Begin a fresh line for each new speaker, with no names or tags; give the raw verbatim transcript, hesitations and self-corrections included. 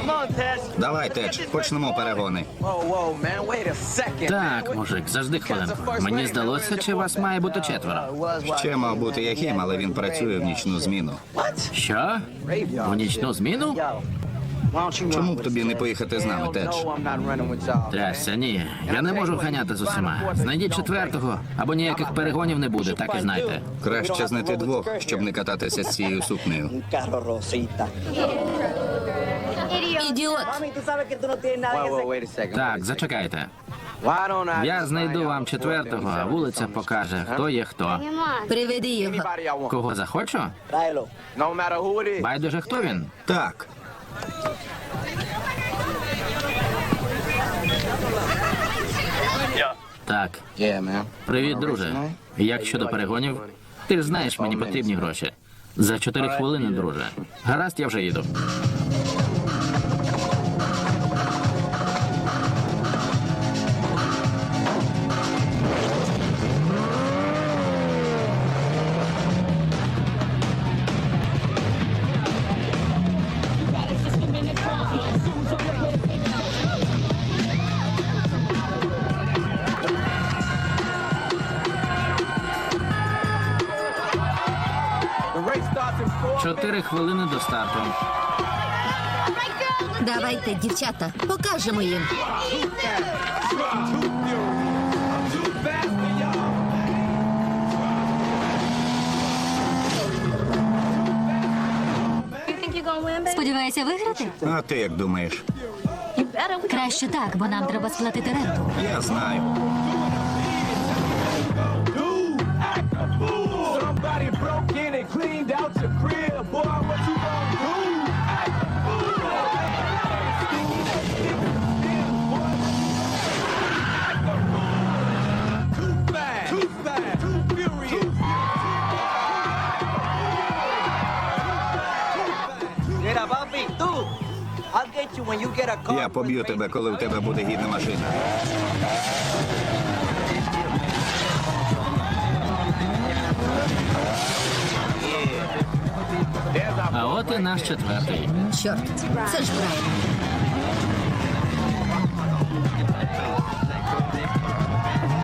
Давай, Тедж, почнемо перегони.
Так, мужик, завжди хвилинку. Мені здалося, чи вас має бути четверо.
Ще мав бути Яким, але він працює в нічну зміну.
Що? У нічну зміну?
Чому б тобі не поїхати з нами, Тедж?
Трясся, ні. Я не можу ганяти з усіма. Знайдіть четвертого, або ніяких перегонів не буде, так і знайте.
Краще знайти двох, щоб не кататися з цією сукнею.
Ідіот.
Так, зачекайте. Я знайду вам четвертого, а вулиця покаже, хто є хто.
Приведи його.
Кого захочу? Байдуже, хто він?
Так.
Так. Привіт, друже. Як щодо перегонів? Ти ж знаєш, мені потрібні гроші. За чотири хвилини, друже. Гаразд, я вже їду. Чотири хвилини до старту.
Давайте, дівчата, покажемо їм.
Сподіваюся виграти?
А ти як думаєш?
Краще так, бо нам треба сплатити ренту.
Я знаю.
Somebody broke in and cleaned out your crib. Boy, what you gonna do? Too fast, too fast, too furious.
Mira, papi, tú. I'll get you when you get a car.
Я поб'ю тебе, коли в тебе буде гідна машина.
А от і наш четвертий.
Чорт, це ж Брайан.